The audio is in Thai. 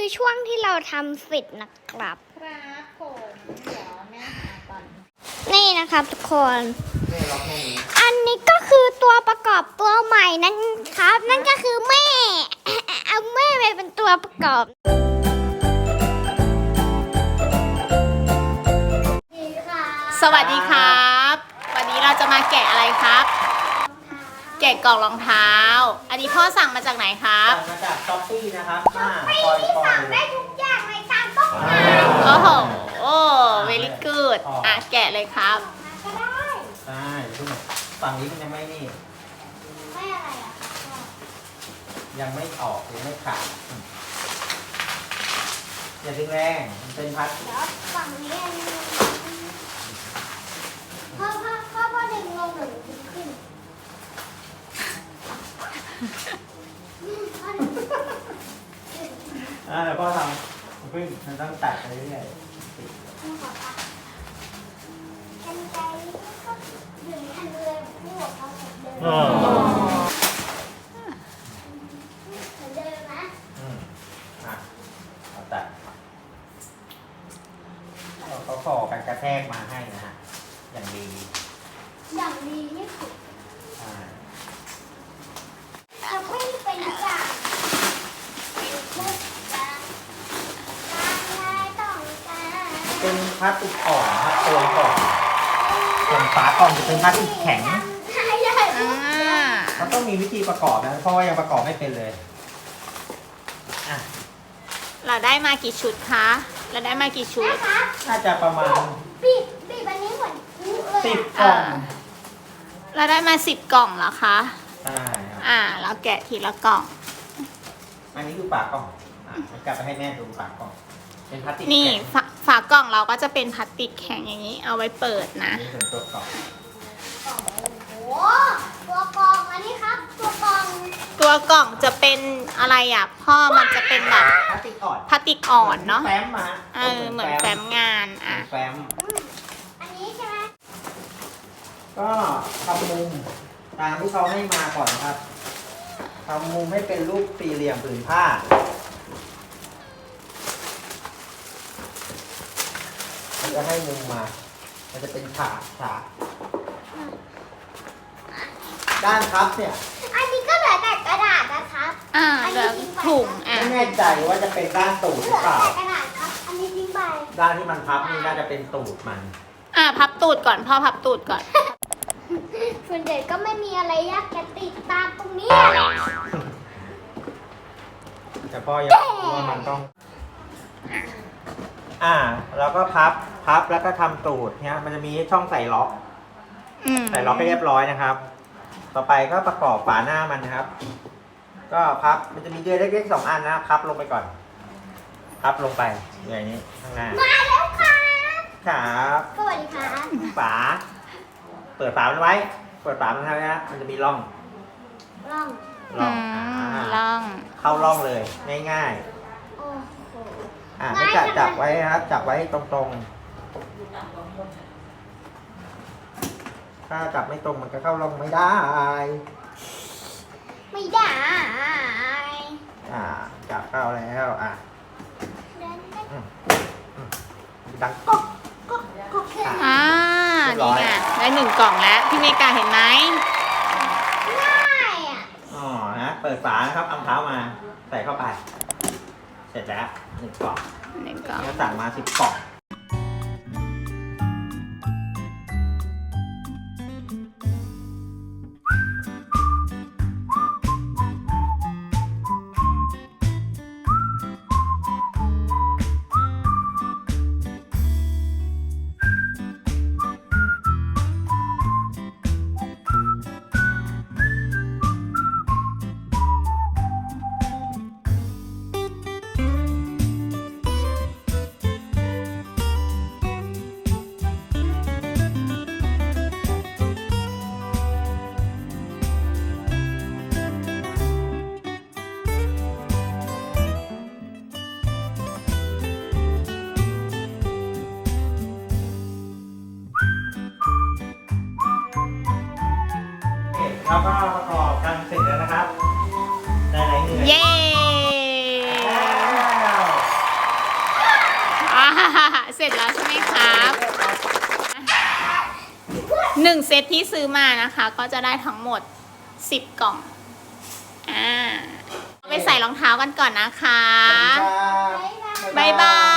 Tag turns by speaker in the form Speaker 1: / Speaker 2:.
Speaker 1: ช่วงที่เราทำเสร็จนะครับ
Speaker 2: ครับผมเดี๋ยวแม่หาก่อน
Speaker 1: นี่นะครับทุกคน
Speaker 3: แม่ล็อกแม่นี้
Speaker 1: อันนี้ก็คือตัวประกอบตัวใหม่นั่นครับ นั่นก็คือแม่ เอาแม่ไปเป็นตัวประกอบ
Speaker 2: สวัสดีครับ วันนี้เราจะมาแกะอะไรครับ แกะกล่องรองเท้า อันนี้พ่อสั่งมาจากไหนครับ
Speaker 3: สั่งมาจากช้อปปี้นะครับ
Speaker 1: ไม่
Speaker 3: ปล่อย
Speaker 1: ที่
Speaker 3: ปล่อ
Speaker 1: สั่
Speaker 3: ย
Speaker 1: งได้ทุกอย่างในตามต้องการ
Speaker 2: โอ้โหโอ้ very good อ่ะแกะเลยครับ
Speaker 1: ก็ได้
Speaker 3: ใช่ทุกคนฝั่งนี้มันยังไม่นี่
Speaker 1: ไม่อะไรอ่ะ
Speaker 3: ยังไม่ออกยังไม่ขาดอย่าดึงแรงมันเป็นพัด
Speaker 1: เดี๋ยวฝั่งนี้อันนี้พ่อดึงลงหรือดึงขึ้น
Speaker 3: แล้วก็ทำพึ่งมันต้องตัดไปเรื่อย
Speaker 1: กันไกลก็ดึงอันเลยพูดเขาเสร็จเดิม
Speaker 3: อ๋อ
Speaker 1: เหมือนเดิมนะ
Speaker 3: เอาตัดเขาขอกันกระแทกมาให้นะฮะอย่างดี
Speaker 1: อย่างดีที่สุด
Speaker 3: ใช่
Speaker 1: จะไม่เป็นอย่างเป็นทุกอย่างตามใจต้องการ
Speaker 3: เป็นพลาสติกอ่อนนะครับตัวก่อนส่วนฝากล่องจะเป็นพลาสติกแข็ง
Speaker 1: ใช่ใช่
Speaker 2: อ่า
Speaker 3: มันต้องมีวิธีประกอบนะเพราะว่ายังประกอบไม่เป็นเลยอ่ะ
Speaker 2: เราได้มากี่ชุดคะ เราได้มากี่ชุด
Speaker 1: นะคะ
Speaker 3: น่าจะประมาณ
Speaker 1: บีบอันนี้เหมือนคุกเลย
Speaker 3: 10 กล่อง
Speaker 2: เราได้มา10 กล่องเหรอคะ
Speaker 3: ใช่ครับ
Speaker 2: เราแกะทีละกล่อง
Speaker 3: อันนี้คือฝากล่องมันกลับไปให้แม่ดูฝากล่อง เป็นพลาสติก
Speaker 2: นี่
Speaker 3: แข็ง
Speaker 2: ฝากล่องเราก็จะเป็นพลาสติกแข็งอย่างนี้ เอาไว้เปิดนะ
Speaker 3: นี่เป็นตัวกล่อง
Speaker 1: โอ้โหตัวกรองอันนี้ครับ ตัวกรอง
Speaker 2: ตัวกล่องจะเป็นอะไรอ่ะพ่อมันจะเป็นแบบ
Speaker 3: พลาสติกอ่อน
Speaker 2: พลาสติกอ่อนเนาะ
Speaker 3: แฟ้มมา
Speaker 2: เหมือนแฟ้มงาน
Speaker 3: เหมื
Speaker 2: อ่ะ
Speaker 3: อนแฟ้ม
Speaker 1: อันนี้ใช่ไหม
Speaker 3: ก็ทำมุมตามที่เขาให้มาก่อนนะครับทำมุมให้เป็นรูปสี่เหลี่ยมผืนผ้ามันจะให้มุมมา มันจะเป็นฉากด้านพับเนี่ย
Speaker 1: อันนี้ก็เหลือแต่กระดาษนะครับ
Speaker 2: แล้วถุง
Speaker 3: ไม่แน่ใจว่าจะเป็นด้านตูด
Speaker 1: เห
Speaker 3: ห
Speaker 1: ลื
Speaker 3: รือ อเปล่า
Speaker 1: แต่กระดาษครับ อันนี้ทิ้งไป
Speaker 3: ด้านที่มันพับนี่น่าจะเป็นตูดมัน
Speaker 2: พับตูดก่อนพ่อพับตูดก่อน
Speaker 1: ส่วนใหญ่ก็ไม่มีอะไรยากจะติดตามตรงนี้
Speaker 3: แต่พ่อยังรู้ว่ามันต้อง แล้วก็พับแล้วก็ทำตูดเนี่ยมันจะมีช่องใส่ล็อก ใส่ล็อกให้เรียบร้อยนะครับ ต่อไปก็ประกอบฝาหน้ามันนะครับ ก็พับ มันจะมีเดือยเล็กๆ2 อันนะ พับลงไปก่อน พับลงไปอย่างนี้ข้างหน้า
Speaker 1: มาแล้วครับ
Speaker 3: ครับ
Speaker 1: สวัสดีครับ
Speaker 3: ฝา เปิดฝามันไว้ เปิดฝามันไว้นะ มันจะมีร่อง
Speaker 1: ร่อง
Speaker 3: ร่อง
Speaker 2: ล่อง
Speaker 3: เข้าร่องเลย ง่าย
Speaker 1: โอ้โห
Speaker 3: ๆไม่จับไว้นะครับ จับไว้ตรงๆ ถ้าจับไม่ตรงมันก็เข้าร่องไม่ได้
Speaker 1: ไม่ได้
Speaker 3: จับเข้าแล้ว
Speaker 1: เดินไป
Speaker 3: ดังก๊อก
Speaker 2: นี่ไงได้1 กล่องแล้ว พี่เมกาเห็นไหม
Speaker 1: ง่ายอ่ะ
Speaker 3: เปิดฝานะครับเอาเท้ามา ใส่เข้าไป เสร็จแล้ว1 กล่อง
Speaker 2: 1 กล่อง
Speaker 3: ก็สั่งมา10 กล่อง
Speaker 2: เสร็จแล้วใช่ไหมครับ1เซตที่ซื้อมานะคะก็จะได้ทั้งหมด10 กล่องไปใส่รองเท้ากันก่อนนะคะ
Speaker 3: สวัสดีครับ
Speaker 2: บ๊ายบาย